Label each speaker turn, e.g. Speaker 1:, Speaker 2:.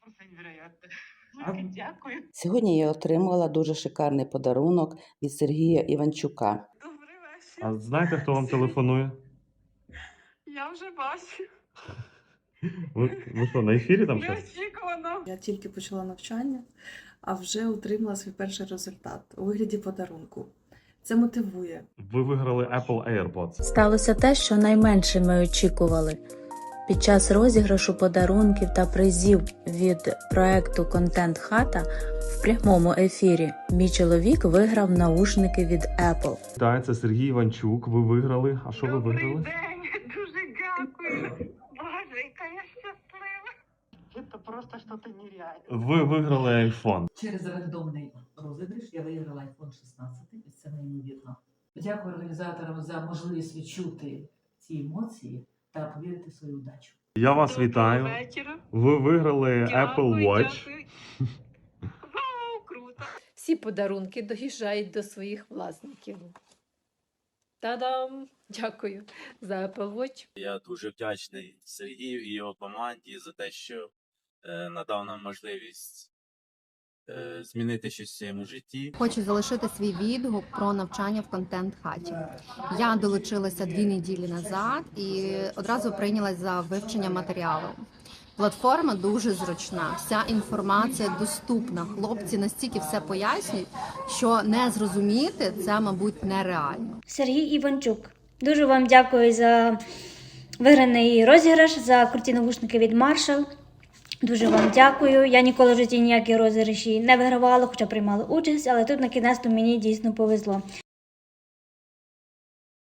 Speaker 1: просто невероятно.
Speaker 2: А-
Speaker 1: Дякую.
Speaker 3: Сьогодні я отримала дуже шикарний подарунок від Сергія Іванчука.
Speaker 1: Добрий вечір.
Speaker 2: А знаєте, хто вам телефонує?
Speaker 1: Я вже бачу.
Speaker 2: Ви що, на ефірі там щось?
Speaker 1: Неочікувано.
Speaker 4: Я тільки почала навчання, а вже отримала свій перший результат у вигляді подарунку. Це мотивує.
Speaker 2: Ви виграли Apple AirPods.
Speaker 5: Сталося те, що найменше ми очікували. Під час розіграшу подарунків та призів від проекту «Контент Хата» в прямому ефірі мій чоловік виграв наушники від Apple.
Speaker 2: Так, це Сергій Іванчук. Ви виграли. А що ви
Speaker 1: Добрий
Speaker 2: виграли?
Speaker 1: день. Дуже дякую. Боже, яка я щаслива. Це просто щось нереальне.
Speaker 2: Ви виграли iPhone.
Speaker 6: Через рандомний розіграш я виграла iPhone 16, і це неймовірно. Дякую організаторам за можливість відчути ці емоції та повірити в свою удачу.
Speaker 2: Я вас
Speaker 1: Доброго
Speaker 2: вітаю.
Speaker 1: вечора.
Speaker 2: Ви виграли
Speaker 1: Дякую,
Speaker 2: Apple Watch.
Speaker 1: дякую. Вау, круто.
Speaker 7: Всі подарунки доїжджають до своїх власників. Та-дам! Дякую за Apple Watch.
Speaker 8: Я дуже вдячний Сергію і його команді за те, що надав нам можливість змінити щось в своєму житті.
Speaker 9: Хочу залишити свій відгук про навчання в контент-хаті. Я долучилася 2 неділі назад і одразу прийнялась за вивчення матеріалу. Платформа дуже зручна, вся інформація доступна. Хлопці настільки все пояснюють, що не зрозуміти це, мабуть, нереально.
Speaker 10: Сергій Іванчук. Дуже вам дякую за виграний розіграш, за круті навушники від Marshall. Дуже вам дякую. Я ніколи в житті ніякі розіграші не вигравала, хоча приймала участь, але тут на кінець мені дійсно повезло.